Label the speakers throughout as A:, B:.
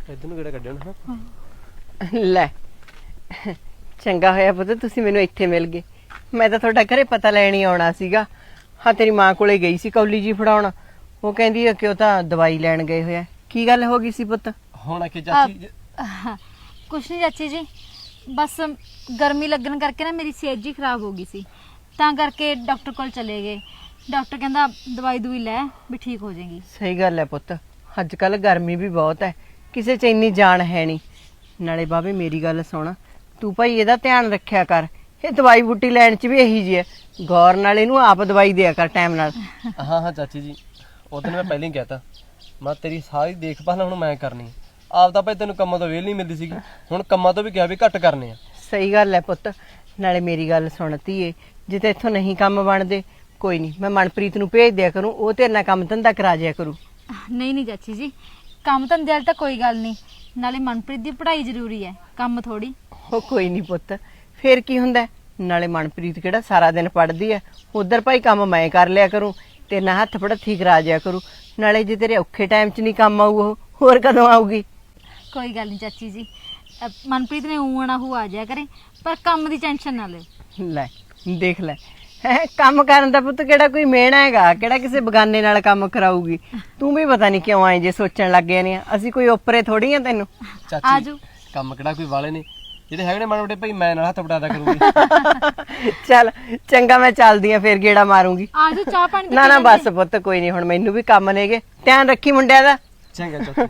A: इधर ਨੂੰ ਕਿਹੜਾ ਕੱਢਿਆ ਨਾ
B: ਲੈ ਚੰਗਾ ਹੋਇਆ ਪੁੱਤ ਤੁਸੀਂ ਮੈਨੂੰ ਇੱਥੇ ਮਿਲ ਗਏ। ਮੈਂ ਤਾਂ ਤੁਹਾਡਾ ਘਰੇ ਪਤਾ ਲੈਣ ਹੀ ਆਉਣਾ ਸੀਗਾ। ਹਾਂ ਤੇਰੀ ਮਾਂ ਕੋਲੇ ਗਈ ਸੀ ਕੌਲੀ ਜੀ ਫੜਾਉਣ। ਉਹ ਕਹਿੰਦੀ ਆ ਕਿ ਉਹ ਤਾਂ ਦਵਾਈ ਲੈਣ ਗਏ ਹੋਇਆ। ਕੀ ਗੱਲ ਹੋ ਗਈ ਸੀ ਪੁੱਤ?
A: ਹੁਣ ਕਿ ਚਾਚੀ
C: ਕੁਛ ਨਹੀਂ ਚਾਚੀ ਜੀ, ਬਸ ਗਰਮੀ ਲੱਗਣ ਕਰਕੇ ਨਾ ਮੇਰੀ ਸਿਹਤ ਜੀ ਖਰਾਬ ਹੋ ਗਈ ਸੀ, ਤਾਂ ਕਰਕੇ ਡਾਕਟਰ ਕੋਲ ਚਲੇ ਗਏ। ਡਾਕਟਰ ਕਹਿੰਦਾ ਦਵਾਈ ਦੂਈ ਲੈ ਵੀ ਠੀਕ ਹੋ ਜਾਏਗੀ।
B: ਸਹੀ ਗੱਲ ਹੈ ਪੁੱਤ, ਅੱਜ ਕੱਲ ਗਰਮੀ ਵੀ ਬਹੁਤ ਹੈ, ਕਿਸੇ 'ਚ ਇੰਨੀ ਜਾਨ ਹੈ ਨਹੀਂ। ਨਾਲੇ ਬਾਬੇ ਮੇਰੀ ਗੱਲ ਸੁਣ, ਤੂੰ ਭਾਈ ਇਹਦਾ ਧਿਆਨ ਰੱਖਿਆ ਕਰ। ਇਹ ਦਵਾਈ ਬੂਟੀ ਲੈਣ 'ਚ ਵੀ ਇਹੀ ਜੀ ਹੈ, ਗੌਰ ਨਾਲ ਇਹਨੂੰ ਆਪ ਦਵਾਈ ਦਿਆ ਕਰ ਟਾਈਮ ਨਾਲ।
A: ਹਾਂ ਹਾਂ ਚਾਚੀ ਜੀ, ਉਦੋਂ ਮੈਂ ਪਹਿਲਾਂ ਹੀ ਕਹਿਤਾ ਮੈਂ ਤੇਰੀ ਸਾਰੀ ਦੇਖਭਾਲ ਹੁਣ ਮੈਂ ਕਰਨੀ। ਆਪ ਤਾਂ ਭਾਈ ਤੈਨੂੰ ਕੰਮਾਂ ਤੋਂ ਵੇਲ ਨਹੀਂ ਮਿਲਦੀ ਸੀਗੀ, ਹੁਣ ਕੰਮਾਂ ਤੋਂ ਵੀ ਕਿਹਾ ਵੀ ਘੱਟ ਕਰਨੇ ਆ।
B: ਸਹੀ ਗੱਲ ਹੈ ਪੁੱਤ। ਨਾਲੇ ਮੇਰੀ ਗੱਲ ਸੁਣ ਧੀਏ, ਜਿੱਥੇ ਇੱਥੋਂ ਨਹੀਂ ਕੰਮ ਬਣਦੇ ਕੋਈ ਨਹੀਂ, ਮੈਂ ਮਨਪ੍ਰੀਤ ਨੂੰ ਭੇਜ ਦਿਆ ਕਰੂੰ, ਉਹ ਤੇਰੇ ਨਾਲ ਕੰਮ ਧੰਦਾ ਕਰਾ ਜਿਆ ਕਰੂ।
C: ਨਹੀਂ ਨਹੀਂ ਚਾਚੀ ਜੀ, ਕੰਮ ਧੰਦੇ ਵਾਲੀ ਤਾਂ ਕੋਈ ਗੱਲ ਨਹੀਂ, ਨਾਲੇ ਮਨਪ੍ਰੀਤ ਦੀ ਪੜ੍ਹਾਈ ਜ਼ਰੂਰੀ ਹੈ, ਕੰਮ ਥੋੜੀ।
B: ਉਹ ਕੋਈ ਨਹੀਂ ਪੁੱਤ, ਫੇਰ ਕੀ ਹੁੰਦਾ? ਨਾਲੇ ਮਨਪ੍ਰੀਤ ਕਿਹੜਾ ਸਾਰਾ ਦਿਨ ਪੜ੍ਹਦੀ ਹੈ, ਉਧਰ ਭਾਈ ਕੰਮ ਮੈਂ ਕਰ ਲਿਆ ਕਰੂੰ, ਤੇ ਨਾ ਹੱਥ ਪੜ੍ਹਥੀ ਕਰਾ ਜਿਆ ਕਰੂ। ਨਾਲੇ ਜੇ ਤੇਰੇ ਔਖੇ ਟਾਈਮ 'ਚ ਨਹੀਂ ਕੰਮ ਆਊ ਉਹ ਹੋਰ ਕਦੋਂ ਆਊਗੀ?
C: ਕੋਈ ਗੱਲ ਨਹੀਂ ਚਾਚੀ ਜੀ, ਮਨਪ੍ਰੀਤ ਨੇ ਊਣਾ ਹੋ ਆ ਜਾਇਆ ਕਰੇ, ਪਰ ਕੰਮ ਦੀ ਟੈਨਸ਼ਨ ਨਾ ਲੈ।
B: ਲੈ ਦੇਖ ਲੈ, ਹੈਂ, ਕੰਮ ਕਰਨ ਦਾ ਪੁੱਤ ਕਿਹੜਾ ਕੋਈ ਮਿਹਣਾ ਹੈਗਾ, ਕਿਹੜਾ ਕਿਸੇ ਬਗਾਨੇ ਨਾਲ ਕੰਮ ਕਰਾਊਗੀ। ਤੂੰ ਵੀ ਪਤਾ ਨਹੀਂ ਕਿਉਂ ਆਏ ਜੇ ਸੋਚਣ ਲੱਗ ਗਏ ਨੇ, ਅਸੀਂ ਕੋਈ ਓਪਰੇ ਥੋੜੀ ਆ ਤੈਨੂੰ।
A: ਚਾਚੀ
C: ਆਜੋ।
A: ਕੰਮ ਕਿਹੜਾ ਕੋਈ ਵਾਲੇ ਨੇ, ਜਿਹੜੇ ਹੈਗੇ ਨੇ ਮਾੜੇ ਮੋਟੇ ਭਾਈ ਮੈਂ ਨਾਲ ਹੱਥ ਵਟਾਦਾ ਕਰੂੰਗੀ।
B: ਚੱਲ ਚੰਗਾ, ਮੈਂ ਚੱਲਦੀ ਆ ਫੇਰ ਗੇੜਾ ਮਾਰੂੰਗੀ।
C: ਆਜੋ ਚਾਹ ਪਾਣੀ
B: ਨਾ ਨਾ ਬਸ ਪੁੱਤ, ਕੋਈ ਨਹੀਂ, ਹੁਣ ਮੈਨੂੰ ਵੀ ਕੰਮ ਨੇਗੇ, ਧਿਆਨ ਰੱਖੀ ਮੁੰਡਿਆਂ ਦਾ।
A: ਚੰਗਾ ਚਾਚੀ।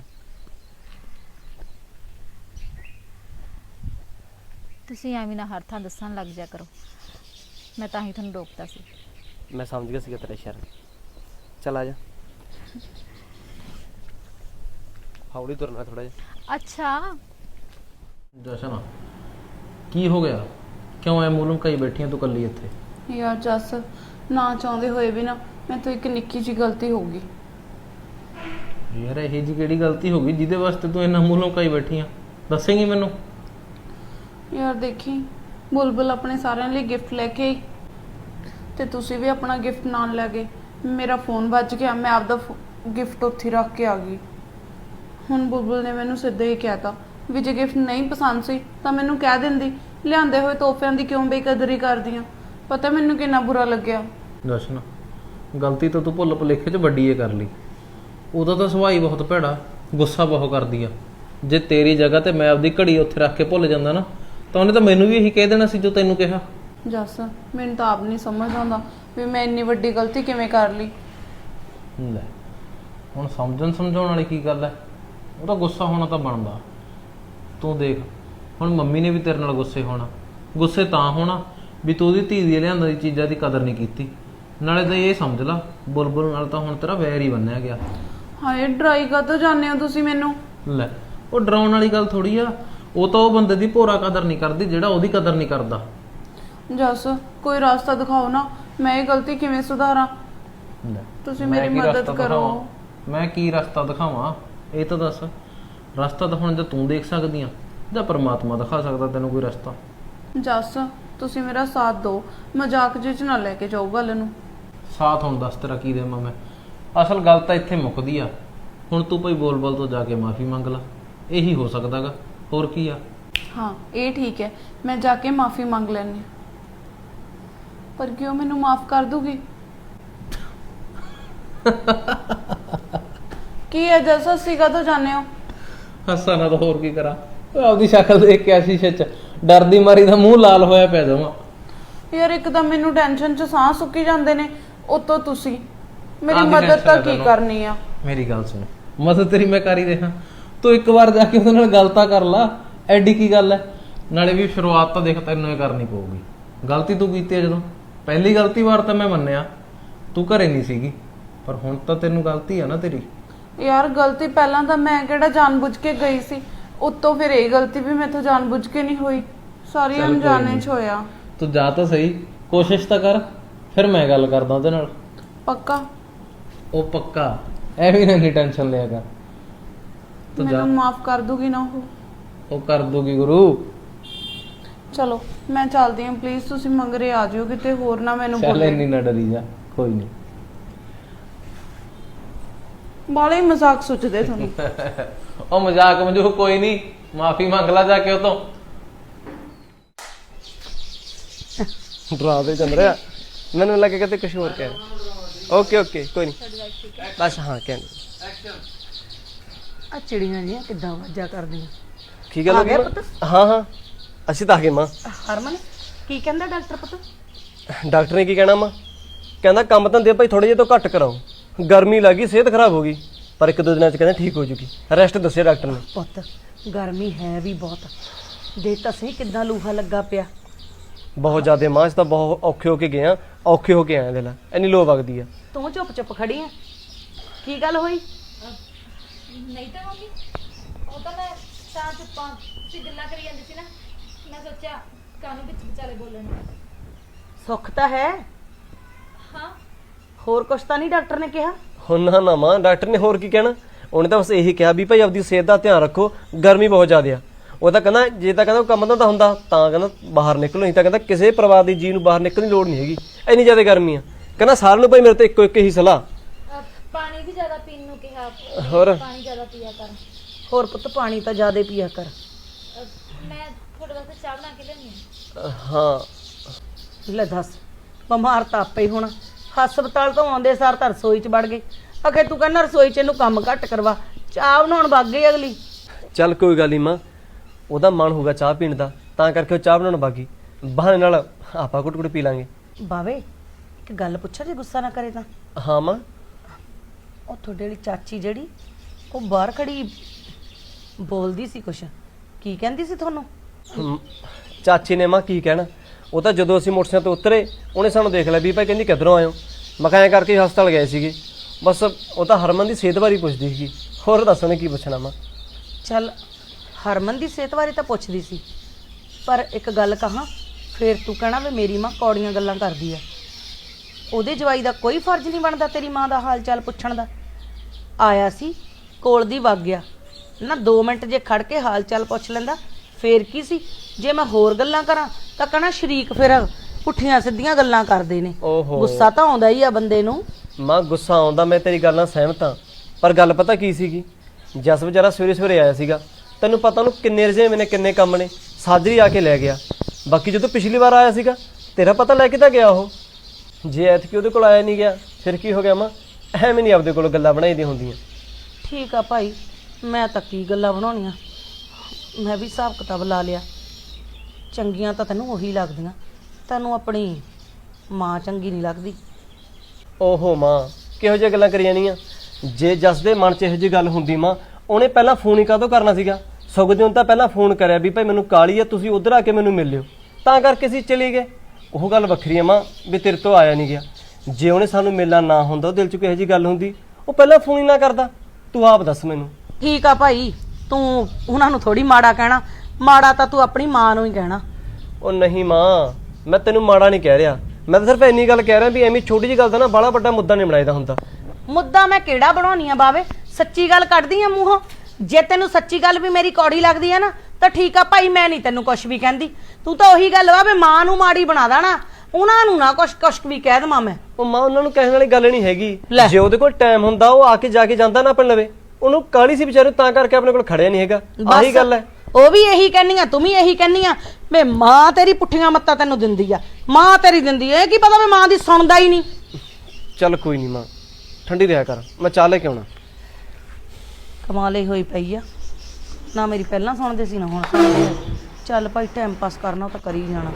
C: ਤੁਸੀਂ ਐਵੇਂ ਨਾ ਹਰ ਥਾਂ ਦੱਸਣ ਲੱਗ ਜਾ ਕਰੋ, ਮੈਂ ਤਾਂ ਹੀ ਤੁਹਾਨੂੰ ਰੋਕਤਾ ਸੀ।
A: ਮੈਂ ਸਮਝ ਗਿਆ ਸੀਗਾ ਤੇਰਾ ਇਸ਼ਾਰਾ। ਚੱਲ ਆ ਜਾ, ਹੌਲੀ ਤੁਰਨਾ ਥੋੜਾ ਜਿਹਾ।
C: ਅੱਛਾ
D: ਜਸ਼ਨ ਕੀ ਹੋ ਗਿਆ? ਕਿਉਂ ਐ ਮੂੰਹ ਲੁਕਾਈ ਬੈਠੀ ਆਂ ਤੂੰ ਕੱਲੀ ਇੱਥੇ?
E: ਯਾਰ ਜੱਸ, ਨਾ ਚਾਹੁੰਦੇ ਹੋਏ ਵੀ ਨਾ ਮੈਂ ਤੋਂ ਇੱਕ ਨਿੱਕੀ ਜਿਹੀ ਗਲਤੀ ਹੋ ਗਈ।
D: ਯਾਰ ਇਹ ਜੀ ਕਿਹੜੀ ਗਲਤੀ ਹੋ ਗਈ ਜਿਹਦੇ ਵਾਸਤੇ ਤੂੰ ਇੰਨਾ ਮੂੰਹ ਲੁਕਾਈ ਬੈਠੀ ਆਂ? ਦੱਸੇਂਗੀ ਮੈਨੂੰ?
E: ਯਾਰ ਦੇਖੀ, ਬੁਲਬੁਲ ਆਪਣੇ ਸਾਰਿਆਂ ਲਈ ਗਿਫਟ ਲੈ ਕੇ ਆਈ ਤੇ ਤੁਸੀਂ ਵੀ ਆਪਣਾ ਗਿਫਟ ਨਾਲ ਲੈ ਗਏ। ਮੇਰਾ ਫੋਨ ਵੱਜ ਗਿਆ, ਮੈਂ ਆਪਦਾ ਗਿਫਟ ਉੱਥੇ ਰੱਖ ਕੇ ਆ ਗਈ। ਹੁਣ ਬੁਲਬੁਲ ਨੇ ਮੈਨੂੰ ਸਿੱਧਾ ਹੀ ਕਹਿਤਾ ਵੀ ਜੇ ਗਿਫਟ ਨਹੀਂ ਪਸੰਦ ਸੀ ਤਾਂ ਮੈਨੂੰ ਕਹਿ ਦਿੰਦੀ, ਲਿਆਂਦੇ ਹੋਏ ਤੋਹਫਿਆਂ ਦੀ ਕਿਉਂ ਬੇਕਦਰੀ ਕਰਦੀ ਆ। ਪਤਾ ਮੈਨੂੰ ਕਿੰਨਾ ਬੁਰਾ ਲੱਗਿਆ।
D: ਜਸ਼ਨ ਗਲਤੀ ਤਾਂ ਤੂੰ ਭੁੱਲ ਭੁਲੇਖੇ 'ਚ ਵੱਡੀ ਏ ਕਰ ਲਈ। ਉਹਦਾ ਤਾਂ ਸੁਭਾਅ ਹੀ ਬਹੁਤ ਭੈੜਾ, ਗੁੱਸਾ ਬਹੁਤ ਕਰਦੀ ਆ। ਜੇ ਤੇਰੀ ਜਗ੍ਹਾ ਤੇ ਮੈਂ ਆਪਦੀ ਘੜੀ ਉੱਥੇ ਰੱਖ ਕੇ ਭੁੱਲ ਜਾਂਦਾ ਨਾ, ਤਾਂ ਉਹਨੇ ਤਾਂ ਮੈਨੂੰ ਵੀ ਇਹੀ ਕਹਿ ਦੇਣਾ ਸੀ ਜੋ ਤੈਨੂੰ ਕਿਹਾ।
E: ਜੱਸ ਮੈਨੂੰ ਤਾਂ ਆਪ ਨਹੀਂ ਸਮਝ ਆਉਂਦਾ ਵੀ ਮੈਂ ਇੰਨੀ ਵੱਡੀ ਗਲਤੀ ਕਿਵੇਂ ਕਰ ਲਈ।
D: ਲੈ ਹੁਣ ਸਮਝਣ ਸਮਝਾਉਣ ਵਾਲੀ ਕੀ ਗੱਲ ਹੈ? ਉਹਦਾ ਗੁੱਸਾ ਹੋਣਾ ਤਾਂ ਬਣਦਾ। ਤੂੰ ਦੇਖ ਹੁਣ ਮੰਮੀ ਨੇ ਵੀ ਤੇਰੇ ਨਾਲ ਗੁੱਸੇ ਤਾਂ ਹੋਣਾ ਵੀ ਤੂੰ ਉਹਦੀ ਧੀ ਦੀ ਲਿਆਂਦੀ ਚੀਜ਼ਾਂ ਦੀ ਕਦਰ ਨਹੀਂ ਕੀਤੀ। ਨਾਲੇ ਤਾਂ ਇਹ ਸਮਝ ਲਾ ਬੁਲਬੁਲ ਨਾਲ ਤਾਂ ਹੁਣ ਤੇਰਾ ਵੈਰ ਹੀ ਬੰਨਿਆ ਗਿਆ।
E: ਹਾਏ ਡਰਾਈ ਕਾਹਤੋਂ ਜਾਂਦੇ ਹੋ ਤੁਸੀਂ ਮੈਨੂੰ?
D: ਲੈ ਉਹ ਡਰਾਉਣ ਵਾਲੀ ਗੱਲ ਥੋੜੀ ਆ, ਉਹ ਤਾਂ ਉਹ ਬੰਦੇ ਦੀ ਭੋਰਾ ਕਦਰ ਨਹੀਂ ਕਰਦੀ ਜਿਹੜਾ ਉਹਦੀ ਕਦਰ ਨਹੀਂ ਕਰਦਾ।
E: ਜੱਸ ਕੋਈ ਰਸਤਾ ਦਿਖਾਓ ਨਾ, ਮੈਂ ਇਹ ਗਲਤੀ ਕਿਵੇਂ ਸੁਧਾਰਾਂ?
D: ਲੈ
E: ਤੁਸੀਂ
D: ਮੈਂ
E: ਮੇਰੀ
D: ਕੀ
E: ਮਦਦ
D: ਰਸਤਾ
E: ਕਰੋ।
D: ਦਿਖਾਵਾਂ? ਮੈਂ ਕੀ ਰਸਤਾ ਦਿਖਾਵਾਂ ਇਹ ਤਾਂ ਦੱਸ। ਰਸਤਾ ਤਾਂ ਹੁਣ ਜੇ ਤੂੰ ਦੇਖ ਸਕਦੀ ਆ ਜਾਂ ਪਰਮਾਤਮਾ ਦਿਖਾ ਸਕਦਾ ਤੈਨੂੰ ਕੋਈ ਰਸਤਾ?
E: ਜੱਸ ਤੁਸੀਂ ਮੇਰਾ ਸਾਥ ਦਿਓ, ਮਜ਼ਾਕ ਜਿਹੇ 'ਚ ਨਾ ਲੈ ਕੇ ਜਾਓ ਗੱਲ ਨੂੰ।
D: ਸਾਥ ਹੁਣ ਦੱਸ ਤੇਰਾ ਕੀ ਦੇਵਾਂ ਮੈਂ? ਅਸਲ ਗੱਲ ਤਾਂ ਇੱਥੇ ਮੁੱਕਦੀ ਆ। ਹੁਣ ਤੂੰ ਭਾਈ ਬੋਲ ਤੋਂ ਜਾ ਕੇ ਮਾਫੀ ਮੰਗ ਲਾ, ਇਹੀ ਹੋ ਸਕਦਾਗਾ, ਹੋਰ ਕੀ ਆ?
E: ਹਾਂ ਇਹ ਠੀਕ ਹੈ, ਮੈਂ ਜਾ ਕੇ ਮਾਫੀ ਮੰਗ ਲੈਣੀ। ਪਰ ਕਿਉਂ ਮੈਨੂੰ ਮਾਫ ਕਰ ਦੂਗੀ? ਕੀ ਹੈ ਜੱਸ, ਅਸੀਂ ਕਦੋਂ ਜਾਣੇ ਹੋ?
D: ਹੱਸਾ ਨਾ ਤਾਂ ਹੋਰ ਕੀ ਕਰਾਂ? ਆਪਦੀ ਸ਼ਕਲ ਦੇਖ ਕੇ ਆਸ਼ੀਸ਼ ਚ ਡਰਦੀ ਮਾਰੀ ਦਾ ਮੂੰਹ ਲਾਲ ਹੋਇਆ ਪਿਆ ਜਾਵਾਂ।
E: ਯਾਰ ਇੱਕ ਤਾਂ ਮੈਨੂੰ ਟੈਨਸ਼ਨ 'ਚ ਸਾਹ ਸੁੱਕੀ ਜਾਂਦੇ ਨੇ, ਉਤੋਂ ਤੁਸੀਂ ਮੇਰੀ
D: ਕਾਹਦੀ
E: ਮਦਦ
D: tension
E: ਤਾਂ
D: ਹੈ
E: ਕੀ
D: ਤੈਨੂੰ?
E: ਕਰਨੀ ਆ?
D: ਮੇਰੀ ਗੱਲ ਸੁਣ, ਮਦਦ ਤੇਰੀ ਮੈਂ ਕਰ ਹੀ ਰਿਹਾ। ਤੂੰ ਇੱਕ ਵਾਰ ਜਾ ਕੇ ਉਹਦੇ ਨਾਲ ਗੱਲ ਤਾਂ ਕਰ ਲਾ, ਐਡੀ ਕੀ ਗੱਲ ਹੈ? ਨਾਲੇ ਵੀ ਸ਼ੁਰੂਆਤ ਤਾਂ ਦੇਖ ਤੈਨੂੰ ਇਹ ਕਰਨੀ ਪਊਗੀ। ਗਲਤੀ ਤੂੰ ਕੀਤੀ ਹੈ ਜਦੋਂ, ਪਹਿਲੀ ਗਲਤੀ ਵਾਰ ਤਾਂ ਮੈਂ ਮੰਨਿਆ ਤੂੰ ਘਰੇ ਨਹੀਂ ਸੀਗੀ, ਪਰ ਹੁਣ ਤਾਂ ਤੈਨੂੰ ਗਲਤੀ ਆ ਨਾ ਤੇਰੀ।
E: ਯਾਰ ਗਲਤੀ ਪਹਿਲਾਂ ਤਾਂ ਮੈਂ ਕਿਹੜਾ ਜਾਣਬੁੱਝ ਕੇ ਗਈ ਸੀ, ਉੱਤੋਂ ਫਿਰ ਇਹ ਗਲਤੀ ਵੀ ਮੈਥੋਂ ਜਾਣਬੁੱਝ ਕੇ ਨਹੀਂ ਹੋਈ, ਸਾਰੀ
D: ਚੱਲ ਕੋਈ
E: ਅਣਜਾਣੇ
D: ਨੀ।
E: 'ਚ ਹੋਇਆ।
D: ਤੂੰ ਜਾ ਤਾਂ ਸਹੀ, ਕੋਸ਼ਿਸ਼ ਤਾਂ ਕਰ, ਫਿਰ ਮੈਂ ਗੱਲ ਕਰਦਾ ਉਹਦੇ ਨਾਲ।
E: ਪੱਕਾ?
D: ਉਹ ਪੱਕਾ, ਐਵੇਂ ਨਾ ਨਹੀਂ ਟੈਨਸ਼ਨ ਲਿਆ ਕਰ। ਤੂੰ ਜਾ,
E: ਮੈਨੂੰ ਮਾਫ ਕਰ ਦੂਗੀ ਨਾ
D: ਉਹ ਕਰ ਦੂਗੀ ਗੁਰੂ।
E: ਚਲੋ ਮੈਂ ਚੱਲਦੀ ਹਾਂ, ਪਲੀਜ਼ ਤੁਸੀਂ ਮੰਗਰੇ ਆ ਜਿਓ, ਕਿਤੇ ਹੋਰ ਨਾ ਮੈਨੂੰ
D: ਚੱਲ
E: ਬੋਲੇ।
D: ਇੰਨੀ ਨਾ ਡਰੀ ਜਾ, ਕੋਈ ਨਹੀਂ।
E: ਬਾਲੇ ਹੀ ਮਜ਼ਾਕ ਸੋਚਦੇ ਤੁਹਾਨੂੰ।
D: ਉਹ ਮਜ਼ਾਕ ਮਜੂਕ ਕੋਈ ਨਹੀਂ, ਮਾਫੀ ਮੰਗ ਲਾ ਜਾ ਕੇ ਉਹ ਤੋਂ।
A: ਡਰਾ ਦੇ ਚੰਦਰਿਆ, ਮੈਨੂੰ ਲੱਗੇ ਕਿ ਤੇ ਕੁਝ ਹੋਰ ਕਹਿ ਰਿਹਾ। ਓਕੇ ਓਕੇ ਕੋਈ ਨਹੀਂ, ਬਸ ਹਾਂ ਕਹਿੰਦੇ।
B: ਆ ਚਿੜੀਆਂ ਜੀਆਂ ਕਿੱਦਾਂ ਆਵਾਜ਼ਾਂ ਕਰਦੀਆਂ।
A: ਕੀ ਗੱਲ ਹੋ ਗਈ ਮਾਂ? ਹਾਂ ਹਾਂ ਅਸੀਂ ਤਾਂ ਆ ਗਏ ਮਾਂ।
B: ਹਰਮਨ ਕੀ ਕਹਿੰਦਾ ਡਾਕਟਰ ਪੁੱਤ?
A: ਡਾਕਟਰ ਨੇ ਕੀ ਕਹਿਣਾ ਮਾਂ? ਕਹਿੰਦਾ ਕੰਮ ਧੰਦੇ ਭਾਈ ਥੋੜੇ ਜਿਹੇ ਤੋਂ ਘੱਟ ਕਰਾਓ, ਗਰਮੀ ਲੱਗੀ, ਸਿਹਤ ਖਰਾਬ ਹੋ ਗਈ, ਪਰ ਇੱਕ ਦੋ ਦਿਨਾਂ ਚ ਕਹਿੰਦਾ ਠੀਕ ਹੋ ਜੂਗੀ। ਰੈਸਟ ਦੱਸਿਆ ਡਾਕਟਰ ਨੇ।
B: ਪੁੱਤ ਗਰਮੀ ਹੈ ਵੀ ਬਹੁਤ, ਦੇ ਤਾਂ ਸਹੀ ਕਿੱਦਾਂ ਲੂਹਾ ਲੱਗਾ ਪਿਆ।
A: ਬਹੁਤ ਜ਼ਿਆਦਾ ਮਾਂ, ਅਸੀਂ ਤਾਂ ਬਹੁਤ ਔਖੇ ਹੋ ਕੇ ਗਏ ਆ, ਔਖੇ ਹੋ ਕੇ ਆਏ ਦੇ ਲੈ, ਇੰਨੀ ਲੋ ਵਗਦੀ ਆ।
B: ਤੂੰ ਚੁੱਪ ਚੁੱਪ ਖੜੀ ਆ, ਕੀ ਗੱਲ ਹੋਈ?
C: ਨਹੀਂ ਤਾਂ ਮੰਮੀ, ਉਹ ਤਾਂ ਮੈਂ ਤਾਂ ਚੁੱਪਾਂ ਤੁਸੀਂ ਗੱਲਾਂ ਕਰੀ ਜਾਂਦੀ ਸੀ ਨਾ, ਮੈਂ ਸੋਚਿਆ ਕਾਹਨੂੰ ਵਿੱਚ ਵਿਚਾਲੇ ਬੋਲਣ।
B: ਸੁੱਖ ਤਾਂ ਹੈ,
C: ਹਾਂ
B: ਹੋਰ ਕੁਛ ਤਾਂ ਨਹੀਂ ਡਾਕਟਰ ਨੇ ਕਿਹਾ?
A: ਹੁਣ ਨਾ ਨਾ ਮਾਂ, ਡਾਕਟਰ ਨੇ ਹੋਰ ਕੀ ਕਹਿਣਾ? ਉਹਨੇ ਤਾਂ ਬਸ ਇਹੀ ਕਿਹਾ ਵੀ ਭਾਈ ਆਪਦੀ ਸਿਹਤ ਦਾ ਧਿਆਨ ਰੱਖੋ, ਗਰਮੀ ਬਹੁਤ ਜ਼ਿਆਦਾ ਆ। ਉਹ ਤਾਂ ਕਹਿੰਦਾ ਜੇ ਤਾਂ ਕਹਿੰਦਾ ਕੰਮ ਤਾਂ ਹੁੰਦਾ ਤਾਂ ਕਹਿੰਦਾ ਬਾਹਰ ਨਿਕਲੋ, ਨਹੀਂ ਤਾਂ ਕਹਿੰਦਾ ਕਿਸੇ ਪਰਿਵਾਰ ਦੀ ਜੀ ਨੂੰ ਬਾਹਰ ਨਿਕਲਣ ਦੀ ਲੋੜ ਨਹੀਂ ਹੈਗੀ, ਇੰਨੀ ਜ਼ਿਆਦਾ ਗਰਮੀ ਆ। ਕਹਿੰਦਾ ਸਾਰਿਆਂ ਨੂੰ ਭਾਈ ਮੇਰੇ ਤੋਂ ਇੱਕੋ ਇੱਕ ਹੀ ਸਲਾਹ,
C: ਪਾਣੀ ਵੀ ਜ਼ਿਆਦਾ ਪੀਣ ਨੂੰ ਕਿਹਾ,
A: ਹੋਰ
C: ਪਾਣੀ ਜ਼ਿਆਦਾ ਪੀਆ ਕਰ।
B: ਹੋਰ ਪੁੱਤ ਪਾਣੀ ਤਾਂ ਜ਼ਿਆਦਾ ਪੀਆ ਕਰ।
C: ਮੈਂ ਤੁਹਾਡੇ ਵਾਸਤੇ ਚਾਹ ਬਣਾ ਕੇ ਲਿਆਉਂਦੀ
A: ਹਾਂ।
B: ਲੈ ਦੱਸ, ਬਿਮਾਰ ਤਾਂ ਆਪੇ ਹੀ ਹੋਣਾ। ਹਸਪਤਾਲ ਤੋਂ ਆਉਂਦੇ ਸਾਰ ਤਾਂ ਰਸੋਈ 'ਚ ਵੜ ਗਏ। ਅਖੇ ਤੂੰ ਕਹਿੰਦਾ ਰਸੋਈ 'ਚ ਇਹਨੂੰ ਕੰਮ ਘੱਟ ਕਰਵਾ, ਚਾਹ ਬਣਾਉਣ ਵਗ ਗਈ ਅਗਲੀ।
A: ਚੱਲ ਕੋਈ ਗੱਲ ਨਹੀਂ ਮਾਂ, ਉਹਦਾ ਮਨ ਹੋਊਗਾ ਚਾਹ ਪੀਣ ਦਾ, ਤਾਂ ਕਰਕੇ ਉਹ ਚਾਹ ਬਣਾਉਣ ਬਾਗੀ, ਬਹਾਨੇ ਨਾਲ ਆਪਾਂ ਘੁੱਟ ਘੁੱਟ ਪੀ ਲਾਂਗੇ।
B: ਬਾਵੇ ਇੱਕ ਗੱਲ ਪੁੱਛਾਂ ਜੇ ਗੁੱਸਾ ਨਾ ਕਰੇ ਤਾਂ?
A: ਹਾਂ ਮਾਂ।
B: ਉਹ ਤੁਹਾਡੇ ਵਾਲੀ ਚਾਚੀ ਜਿਹੜੀ ਉਹ ਬਾਹਰ ਖੜੀ ਬੋਲਦੀ ਸੀ ਕੁਛ, ਕੀ ਕਹਿੰਦੀ ਸੀ ਤੁਹਾਨੂੰ?
A: ਚਾਚੀ ਨੇ ਮਾਂ ਕੀ ਕਹਿਣਾ, ਉਹ ਤਾਂ ਜਦੋਂ ਅਸੀਂ ਮੋਟਰਸਾਈਕਲ ਤੋਂ ਉਤਰੇ ਉਹਨੇ ਸਾਨੂੰ ਦੇਖ ਲਿਆ ਵੀ ਭਾਈ ਕਹਿੰਦੀ ਕਿੱਧਰੋਂ ਆਏ ਹੋ। ਮੈਂ ਕਿਹਾ ਐਂ ਕਰਕੇ ਹਸਪਤਾਲ ਗਏ ਸੀਗੇ। ਬਸ ਉਹ ਤਾਂ ਹਰਮਨ ਦੀ ਸਿਹਤ ਬਾਰੇ ਪੁੱਛਦੀ ਸੀਗੀ, ਹੋਰ ਦੱਸ ਉਹਨੇ ਕੀ ਪੁੱਛਣਾ ਮਾਂ।
B: ਚੱਲ ਹਰਮਨ ਦੀ ਸਿਹਤ ਬਾਰੇ ਤਾਂ ਪੁੱਛਦੀ ਸੀ, ਪਰ ਇੱਕ ਗੱਲ ਕਹਾਂ, ਫੇਰ ਤੂੰ ਕਹਿਣਾ ਵੀ ਮੇਰੀ ਮਾਂ ਕੌੜੀਆਂ ਗੱਲਾਂ ਕਰਦੀ ਆ। ਉਹਦੇ ਜਵਾਈ ਦਾ ਕੋਈ ਫਰਜ਼ ਨਹੀਂ ਬਣਦਾ ਤੇਰੀ ਮਾਂ ਦਾ ਹਾਲ ਚਾਲ ਪੁੱਛਣ ਦਾ। ਆਇਆ ਸੀ ਕੋਲ ਦੀ ਵਗ ਗਿਆ ਨਾ, 2 ਮਿੰਟ ਜੇ ਖੜ ਕੇ ਹਾਲ ਚਾਲ ਪੁੱਛ ਲੈਂਦਾ ਫੇਰ ਕੀ ਸੀ। ਜੇ ਮੈਂ ਹੋਰ ਗੱਲਾਂ ਕਰਾਂ ਤਾਂ ਕਹਿਣਾ ਸ਼ਰੀਕ ਫਿਰ ਪੁੱਠੀਆਂ ਸਿੱਧੀਆਂ ਗੱਲਾਂ ਕਰਦੇ ਨੇ।
A: ਓਹੋ।
B: ਗੁੱਸਾ ਤਾਂ ਆਉਂਦਾ ਹੀ ਆ ਬੰਦੇ ਨੂੰ।
A: ਮਾਂ ਗੁੱਸਾ ਆਉਂਦਾ, ਮੈਂ ਤੇਰੀ ਗੱਲ ਨਾਲ ਸਹਿਮਤ ਹਾਂ, ਪਰ ਗੱਲ ਪਤਾ ਕੀ ਸੀਗੀ, ਜਸ ਵਿਚਾਰਾ ਸਵੇਰੇ ਸਵੇਰੇ ਆਇਆ ਸੀਗਾ, ਤੈਨੂੰ ਪਤਾ ਉਹਨੂੰ ਕਿੰਨੇ ਰਜੇਵੇਂ ਨੇ, ਕਿੰਨੇ ਕੰਮ ਨੇ, ਸਾਜਰੀ ਆ ਕੇ ਲੈ ਗਿਆ। ਬਾਕੀ ਜਦੋਂ ਪਿਛਲੀ ਵਾਰ ਆਇਆ ਸੀਗਾ ਤੇਰਾ ਪਤਾ ਲੈ ਕੇ ਤਾਂ ਗਿਆ ਉਹ, ਜੇ ਐਤਕੀ ਉਹਦੇ ਕੋਲ ਆਇਆ ਨਹੀਂ ਗਿਆ ਫਿਰ ਕੀ ਹੋ ਗਿਆ ਮਾਂ? ਐਵੇਂ ਨਹੀਂ ਆਪਦੇ ਕੋਲ ਗੱਲਾਂ ਬਣਾਈਦੀਆਂ ਹੁੰਦੀਆਂ।
B: ਠੀਕ ਆ ਭਾਈ, ਮੈਂ ਤਾਂ ਕੀ ਗੱਲਾਂ ਬਣਾਉਣੀਆਂ, ਮੈਂ ਵੀ ਹਿਸਾਬ ਕਿਤਾਬ ਲਾ ਲਿਆ। ਚੰਗੀਆਂ ਤਾਂ ਤੈਨੂੰ ਉਹੀ ਲੱਗਦੀਆਂ, ਤੈਨੂੰ ਆਪਣੀ ਮਾਂ ਚੰਗੀ ਨਹੀਂ ਲੱਗਦੀ।
A: ਓਹੋ ਮਾਂ, ਕਿਹੋ ਜਿਹੀਆਂ ਗੱਲਾਂ ਕਰੀ ਜਾਣੀਆਂ? ਜੇ ਜਸ ਦੇ ਮਨ 'ਚ ਇਹੋ ਜਿਹੀ ਗੱਲ ਹੁੰਦੀ ਮਾਂ, ਉਹਨੇ ਪਹਿਲਾਂ ਫੋਨ ਹੀ ਕਾਹਤੋਂ ਕਰਨਾ ਸੀਗਾ? ਸੁਖਦੇਵ ਨੇ ਤਾਂ ਪਹਿਲਾਂ ਫੋਨ ਕਰਿਆ ਵੀ ਭਾਈ ਮੈਨੂੰ ਕਾਲੀ ਆ, ਤੁਸੀਂ ਉਧਰ ਆ ਕੇ ਮੈਨੂੰ ਮਿਲ ਲਿਓ, ਤਾਂ ਕਰਕੇ ਅਸੀਂ ਚਲੇ ਗਏ। ਉਹ ਗੱਲ ਵੱਖਰੀ ਆ ਮਾਂ ਵੀ ਤੇਰੇ ਤੋਂ ਆਇਆ ਨਹੀਂ ਗਿਆ। ਜੇ ਉਹਨੇ ਸਾਨੂੰ ਮਿਲਣਾ ਨਾ ਹੁੰਦਾ, ਉਹ ਦਿਲ 'ਚ ਕਿਹੋ ਜਿਹੀ ਗੱਲ ਹੁੰਦੀ, ਉਹ ਪਹਿਲਾਂ ਫੋਨ ਹੀ ਨਾ ਕਰਦਾ। ਤੂੰ ਆਪ ਦੱਸ ਮੈਨੂੰ।
B: ਠੀਕ ਆ ਭਾਈ, ਤੂੰ ਉਹਨਾਂ ਨੂੰ ਥੋੜੀ ਮਾੜਾ ਕਹਿਣਾ, ਮਾੜਾ ਤਾਂ ਤੂੰ ਆਪਣੀ ਮਾਂ ਨੂੰ ਹੀ ਕਹਿਣਾ।
A: ਉਹ ਨਹੀਂ ਮਾਂ, ਮੈਂ ਤੈਨੂੰ ਮਾੜਾ ਨਹੀਂ ਕਹਿ ਰਿਹਾ, ਮੈਂ ਤਾਂ ਸਿਰਫ ਇੰਨੀ ਗੱਲ ਕਹਿ ਰਿਹਾ ਵੀ ਐਵੇਂ ਛੋਟੀ ਜਿਹੀ ਗੱਲ ਦਾ ਨਾ ਬੜਾ ਵੱਡਾ ਮੁੱਦਾ ਨਹੀਂ ਬਣਾਈਦਾ ਹੁੰਦਾ।
B: ਮੁੱਦਾ ਮੈਂ ਕਿਹੜਾ ਬਣਾਉਣੀ ਆ ਬਾਵੇ, ਸੱਚੀ ਗੱਲ ਕੱਢਦੀ ਆ ਮੂੰਹੋਂ। ਜੇ ਤੈਨੂੰ ਸੱਚੀ ਗੱਲ ਵੀ ਮੇਰੀ ਕੌੜੀ ਲੱਗਦੀ ਆ ਨਾ ਤਾਂ ਠੀਕ ਆ ਭਾਈ, ਮੈਂ ਨਹੀਂ ਤੈਨੂੰ ਕੁਛ ਵੀ ਕਹਿੰਦੀ। ਤੂੰ ਤਾਂ ਉਹੀ ਗੱਲ ਵਾ ਵੀ ਮਾਂ ਨੂੰ ਮਾੜੀ ਬਣਾ ਦੇਣਾ, ਉਹਨਾਂ ਨੂੰ ਨਾ ਕੁਛ ਵੀ ਕਹਿ ਦੇਵਾਂ ਮੈਂ।
A: ਉਹ ਮਾਂ ਉਹਨਾਂ ਨੂੰ ਕਹਿਣ ਵਾਲੀ ਗੱਲ ਨਹੀਂ ਹੈਗੀ,
B: ਲੈ।
A: ਜੇ ਉਹਦੇ ਕੋਲ ਟਾਈਮ ਹੁੰਦਾ ਉਹ ਆ ਕੇ ਜਾ ਕੇ ਜਾਂਦਾ ਨਾ ਆਪਣੇ ਲਵੇ, ਉਹਨੂੰ ਕਾਹਲੀ ਸੀ ਵਿਚਾਰੇ, ਤਾਂ ਕਰਕੇ ਆਪਣੇ ਕੋਲ ਖੜਿਆ ਨਹੀਂ ਹੈਗਾ। ਆਹੀ ਗੱਲ ਹੈ।
B: ਉਹ ਵੀ ਇਹੀ ਕਹਿੰਨੀ ਆ, ਤੂੰ ਵੀ ਇਹੀ ਕਹਿੰਨੀ ਆ ਵੀ ਮਾਂ ਤੇਰੀ ਪੁੱਠੀਆਂ ਮੱਤਾਂ ਤੈਨੂੰ ਦਿੰਦੀ ਆ, ਮਾਂ ਤੇਰੀ ਦਿੰਦੀ ਆ। ਇਹ ਕੀ ਪਤਾ ਵੀ ਮਾਂ ਦੀ ਸੁਣਦਾ ਹੀ ਨਹੀਂ।
A: ਚੱਲ ਕੋਈ ਨਹੀਂ ਮਾਂ, ਠੰਡੀ ਰਿਹਾ ਕਰ, ਮੈਂ ਚਾਹ ਲੈ ਕੇ ਆਉਣਾ।
B: ਕਮਾਲ ਹੀ ਹੋਈ ਪਈ ਆ, ਨਾ ਮੇਰੀ ਪਹਿਲਾਂ ਸੁਣਦੇ ਸੀ ਨਾ ਹੁਣ ਸੁਣਦੇ ਆ। ਚੱਲ ਭਾਈ ਟਾਈਮ ਪਾਸ ਕਰਨਾ ਉਹ ਤਾਂ ਕਰੀ ਜਾਣਾ।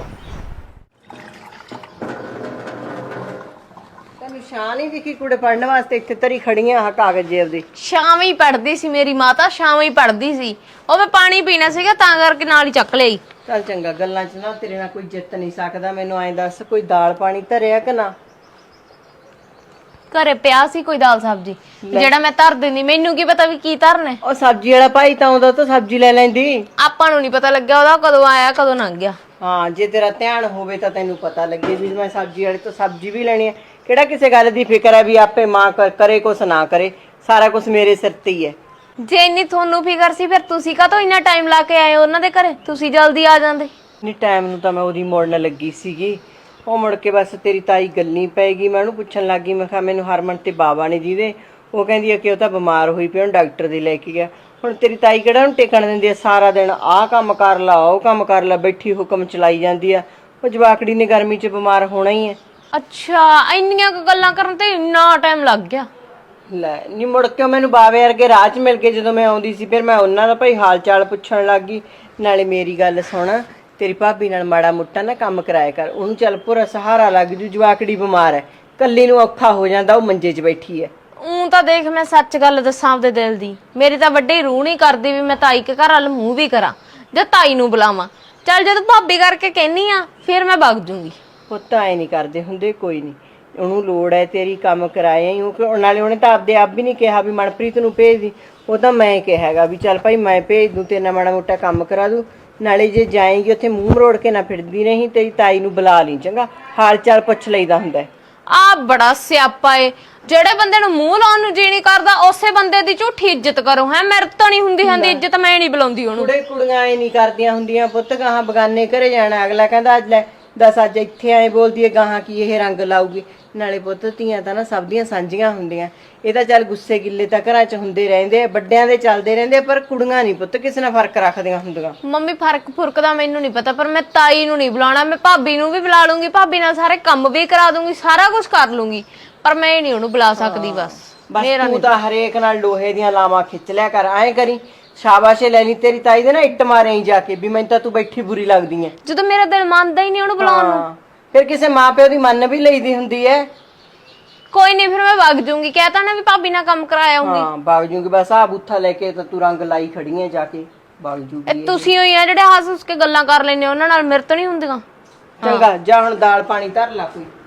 B: ਤੈਨੂੰ ਸ਼ਾਨ ਹੀ ਦਿਖੀ ਕੁੜੇ ਪੜਨ ਵਾਸਤੇ ਇੱਥੇ ਤਰੀ ਖੜੀਆਂ ਆ ਕਾਗਜ਼ ਜੇਬ ਦੇ।
F: ਸ਼ਾਮ ਹੀ ਪੜਦੀ ਸੀ ਮੇਰੀ ਮਾਤਾ, ਸ਼ਾਮ ਹੀ ਪੜਦੀ ਸੀ। ਉਹ ਮੈਂ ਪਾਣੀ ਪੀਣਾ ਸੀਗਾ ਤਾਂ ਕਰਕੇ ਨਾਲ ਹੀ ਚੱਕ ਲਈ।
B: ਚੱਲ ਚੰਗਾ, ਗੱਲਾਂ 'ਚ ਨਾ ਤੇਰੇ ਨਾਲ ਕੋਈ ਜਿੱਤ ਨਹੀਂ ਸਕਦਾ। ਮੈਨੂੰ ਐਂ ਦੱਸ, ਕੋਈ ਦਾਲ ਪਾਣੀ ਧਰਿਆ ਕਿ ਨਾ?
F: ਘਰੇ ਪਿਆ ਸੀ ਕੋਈ ਦਾਲ ਸਬਜ਼ੀ, ਜਿਹੜਾ ਮੈਂ ਧਰ ਦਿੰਦੀ, ਮੈਨੂੰ ਕੀ ਪਤਾ ਵੀ ਕੀ ਧਰਨਾ।
B: ਉਹ ਸਬਜ਼ੀ ਵਾਲਾ ਭਾਈ ਤਾਂ ਆਉਂਦਾ ਤਾਂ ਸਬਜ਼ੀ ਲੈ ਲੈਂਦੀ।
F: ਆਪਾਂ ਨੂੰ ਨਹੀਂ ਪਤਾ ਲੱਗਿਆ ਉਹਦਾ ਕਦੋਂ ਆਇਆ ਕਦੋਂ ਲੰਘ ਗਿਆ।
B: ਹਾਂ, ਜੇ ਤੇਰਾ ਧਿਆਨ ਹੋਵੇ ਤਾਂ ਤੈਨੂੰ ਪਤਾ ਲੱਗੇ ਵੀ ਮੈਂ ਸਬਜ਼ੀ ਵਾਲੇ ਤੋਂ ਸਬਜ਼ੀ ਵੀ ਲੈਣੀ ਹੈ। ਕਿਹੜਾ ਕਿਸੇ ਗੱਲ ਦੀ ਫਿਕਰ ਹੈ ਵੀ ਆਪੇ ਮਾਂ ਕਰੇ ਕੁਛ ਨਾ ਕਰੇ, ਸਾਰਾ ਕੁਝ ਮੇਰੇ ਸਿਰ ਤੇ ਹੀ ਹੈ।
F: ਜੇ ਇੰਨੀ ਤੁਹਾਨੂੰ ਫਿਕਰ ਸੀ ਫਿਰ ਤੁਸੀਂ ਕਾਹਤੋਂ ਇੰਨਾ ਟਾਈਮ ਲਾ ਕੇ ਆਏ ਉਹਨਾਂ ਦੇ ਘਰੇ? ਤੁਸੀਂ ਜਲਦੀ ਆ ਜਾਂਦੇ।
B: ਨਹੀਂ, ਟਾਈਮ ਨੂੰ ਤਾਂ ਮੈਂ ਉਹਦੀ ਮੋੜਨ ਲੱਗੀ ਸੀਗੀ, ਉਹ ਮੁੜ ਕੇ ਬਸ ਤੇਰੀ ਤਾਈ ਗੱਲੀ ਪੈ ਗਈ। ਮੈਂ ਉਹਨੂੰ ਪੁੱਛਣ ਲੱਗੀ, ਮੈਂ ਕਿਹਾ ਮੈਨੂੰ ਹਰਮਨ ਤੇ ਬਾਬਾ ਨੇ ਜਿਹਦੇ, ਉਹ ਕਹਿੰਦੀ ਆ ਕਿ ਉਹ ਤਾਂ ਬਿਮਾਰ ਹੋਈ ਪਈ, ਉਹਨੂੰ ਡਾਕਟਰ ਦੇ ਲੈ ਕੇ ਗਿਆ। ਹੁਣ ਤੇਰੀ ਤਾਈ ਕਿਹੜਾ ਨੂੰ ਟਿਕਣ ਦਿੰਦੀ ਆ? ਸਾਰਾ ਦਿਨ ਆਹ ਕੰਮ ਕਰ ਲਾ, ਉਹ ਕੰਮ ਕਰ ਲਾ, ਬੈਠੀ ਹੁਕਮ ਚਲਾਈ ਜਾਂਦੀ ਆ। ਉਹ ਜਵਾਕੜੀ ਨੇ ਗਰਮੀ 'ਚ ਬਿਮਾਰ ਹੋਣਾ ਹੀ ਹੈ।
F: ਅੱਛਾ, ਇੰਨੀਆਂ ਕੁ ਗੱਲਾਂ ਕਰਨ ਤੇ ਇੰਨਾ ਟਾਈਮ ਲੱਗ ਗਿਆ।
B: ਲੈ ਨੀ ਮੁੜ ਕੇ ਮੈਨੂੰ ਬਾਵੇ ਵਰਗੇ ਰਾਹ 'ਚ ਮਿਲ ਕੇ ਜਦੋਂ ਮੈਂ ਆਉਂਦੀ ਸੀ, ਫਿਰ ਮੈਂ ਉਹਨਾਂ ਦਾ ਭਾਈ ਹਾਲ ਚਾਲ ਪੁੱਛਣ ਲੱਗ ਗਈ। ਨਾਲੇ ਮੇਰੀ ਗੱਲ ਸੁਣ, ਤੇਰੀ ਭਾਬੀ ਨਾਲ ਮਾੜਾ ਮੋਟਾ ਨਾ ਕੰਮ ਕਰਾਇਆ ਕਰ, ਉਹਨੂੰ ਚੱਲ ਪੂਰਾ ਸਹਾਰਾ ਲੱਗ ਜੂ। ਜਵਾਕੜੀ ਬਿਮਾਰ ਹੈ, ਕੱਲੀ ਨੂੰ ਔਖਾ ਹੋ ਜਾਂਦਾ, ਉਹ ਮੰਜੇ 'ਚ ਬੈਠੀ ਹੈ।
F: ਤਾਂ ਦੇਖ, ਮੈਂ ਸੱਚ ਗੱਲ ਦੱਸਾਂ ਆਪਦੇ ਦਿਲ ਦੀ, ਮੇਰੀ ਤਾਂ ਵੱਡੀ ਰੂਹ ਨਹੀਂ ਕਰਦੀ ਵੀ ਮੈਂ ਤਾਈ ਕੇ ਘਰ ਵੱਲ ਮੂੰਹ ਵੀ ਕਰਾਂ ਜਾਂ ਤਾਈ ਨੂੰ ਬੁਲਾਵਾਂ। ਚੱਲ ਜਦੋਂ ਭਾਬੀ ਕਰਕੇ ਕਹਿਨੀ ਆ ਫਿਰ ਮੈਂ ਵਗ ਜੂੰਗੀ।
B: ਪੁੱਤ ਐ ਨਹੀਂ ਕਰਦੇ ਹੁੰਦੇ, ਕੋਈ ਨਹੀਂ, ਉਹਨੂੰ ਲੋੜ ਹੈ ਤੇਰੀ, ਕੰਮ ਕਰਾਇਆ ਹੀ ਉਹ। ਨਾਲੇ ਉਹਨੇ ਤਾਂ ਆਪਦੇ ਆਪ ਵੀ ਨਹੀਂ ਕਿਹਾ ਵੀ ਮਨਪ੍ਰੀਤ ਨੂੰ ਭੇਜ ਦੀ, ਉਹ ਤਾਂ ਮੈਂ ਕਿਹਾ ਹੈਗਾ ਵੀ ਚੱਲ ਭਾਈ ਮੈਂ ਭੇਜ ਦੂੰ, ਤੇਰੇ ਨਾਲ ਮਾੜਾ ਮੋਟਾ ਕੰਮ ਕਰਾ ਦੂੰ। ਨਾਲੇ ਜੇ ਜਾਏਗੀ ਉੱਥੇ ਮੂੰਹ ਮਰੋੜ ਕੇ ਨਾ ਫਿਰਦੀ ਨਹੀਂ, ਤੇਰੀ ਤਾਈ ਨੂੰ ਬੁਲਾ ਲਈ, ਚੰਗਾ ਹਾਲ ਚਾਲ ਪੁੱਛ ਲਈਦਾ ਹੁੰਦਾ।
F: ਆ ਬੜਾ ਸਿਆਪਾ ਏ, ਜਿਹੜੇ ਬੰਦੇ ਨੂੰ ਮੂੰਹ ਲਾਉਣ ਨੂੰ ਜੀ ਨਹੀਂ ਕਰਦਾ ਉਸੇ ਬੰਦੇ ਦੀ ਝੂਠੀ ਇੱਜ਼ਤ ਕਰੋ। ਹੈ ਮੇਰੇ ਤੋਂ ਨਹੀਂ ਹੁੰਦੀ ਇੱਜ਼ਤ, ਮੈਂ ਨਹੀਂ ਬੁਲਾਉਂਦੀ ਉਹਨੂੰ।
B: ਕੁੜੀਆਂ ਐ ਨਹੀਂ ਕਰਦੀਆਂ ਹੁੰਦੀਆਂ ਪੁੱਤ, ਗਾਹਾਂ ਬਗਾਨੇ ਘਰੇ ਜਾਣਾ, ਅਗਲਾ ਕਹਿੰਦਾ ਅੱਜ ਲੈ ਦੱਸ ਅੱਜ ਇੱਥੇ ਆਏ ਬੋਲਦੀ ਹੈ, ਗਾਹਾਂ ਕੀ ਇਹ ਰੰਗ ਲਾਊਗੀ। ਨਾਲੇ ਪੁੱਤ ਧੀਆਂ ਤਾਂ ਨਾ ਸਭ ਦੀਆਂ ਸਾਂਝੀਆਂ ਹੁੰਦੀਆਂ। ਇਹ ਤਾਂ ਚੱਲ ਗੁੱਸੇ ਗਿੱਲੇ ਤਾਂ ਘਰਾਂ 'ਚ ਹੁੰਦੇ ਰਹਿੰਦੇ, ਵੱਡਿਆਂ ਦੇ ਚੱਲਦੇ ਰਹਿੰਦੇ, ਪਰ ਕੁੜੀਆਂ ਨਹੀਂ ਪੁੱਤ ਕਿਸੇ ਨਾਲ ਫਰਕ ਰੱਖਦੀਆਂ ਹੁੰਦੀਆਂ।
F: ਮੰਮੀ ਫਰਕ ਫੁਰਕ ਦਾ ਮੈਨੂੰ ਨਹੀਂ ਪਤਾ, ਪਰ ਮੈਂ ਤਾਈ ਨੂੰ ਨਹੀਂ ਬੁਲਾਉਣਾ। ਮੈਂ ਭਾਬੀ ਨੂੰ ਵੀ ਬੁਲਾ ਲੂੰਗੀ, ਭਾਬੀ ਨਾਲ ਸਾਰੇ ਕੰਮ ਵੀ ਕਰਾ ਦੂੰਗੀ, ਸਾਰਾ ਕੁਝ ਕਰ ਲੂੰਗੀ, ਪਰ ਮੈਂ ਨਹੀਂ ਉਹਨੂੰ ਬੁਲਾ ਸਕਦੀ। ਬਸ
B: ਤੂੰ ਤਾਂ ਹਰੇਕ ਨਾਲ ਲੋਹੇ ਦੀਆਂ ਲਾਵਾਂ ਖਿੱਚ ਲਿਆ ਕਰ, ਐਂ ਕਰੀ ਸ਼ਾਬਾਸ਼ੇ ਲੈ ਲਈ ਤੇਰੀ ਤਾਈ ਦੇ ਨਾ ਇੱਟ ਮਾਰੇ ਜਾ ਕੇ ਵੀ ਮੈਨੂੰ ਤਾਂ ਤੂੰ ਬੈਠੀ ਬੁਰੀ ਲੱਗਦੀ ਐ।
F: ਜਦੋਂ ਮੇਰਾ ਦਿਲ ਮੰਨਦਾ ਹੀ ਨਹੀਂ ਉਹਨੂੰ ਬੁਲਾਉਣ ਨੂੰ,
B: ਫਿਰ ਕਿਸੇ ਮਾਪਿਓ ਦੀ ਮੰਨ ਵੀ ਲਈਦੀ ਹੁੰਦੀ ਐ।
F: ਕੋਈ ਨਹੀਂ, ਫਿਰ ਮੈਂ ਵਗ ਜੂੰਗੀ। ਕਹਿਤਾ ਨਾ ਵੀ ਭਾਬੀ ਨਾਲ ਕੰਮ ਕਰਾਇਆ ਆਉਂਗੀ।
B: ਹਾਂ ਵਗ ਜੂੰਗੀ, ਬਸ ਆ ਬੂਥਾ ਲੈ ਕੇ ਤਾਂ ਤੂੰ ਰੰਗ ਲਾਈ ਖੜੀ ਐ, ਜਾ ਕੇ ਵਗ ਜੂਗੀ।
F: ਤੁਸੀਂ ਹੋਈ ਆ ਜਿਹੜੇ ਹੱਸ ਹੱਸ ਕੇ ਗੱਲਾਂ ਕਰ ਲੈਂਦੇ, ਉਹਨਾਂ ਨਾਲ ਮੇਰੇ ਤੋਂ ਨਹੀਂ ਹੁੰਦੀਆਂ।
B: ਚੰਗਾ ਜਾ ਹੁਣ ਦਾਲ ਪਾਣੀ ਧਰ ਲਾ ਕੋਈ।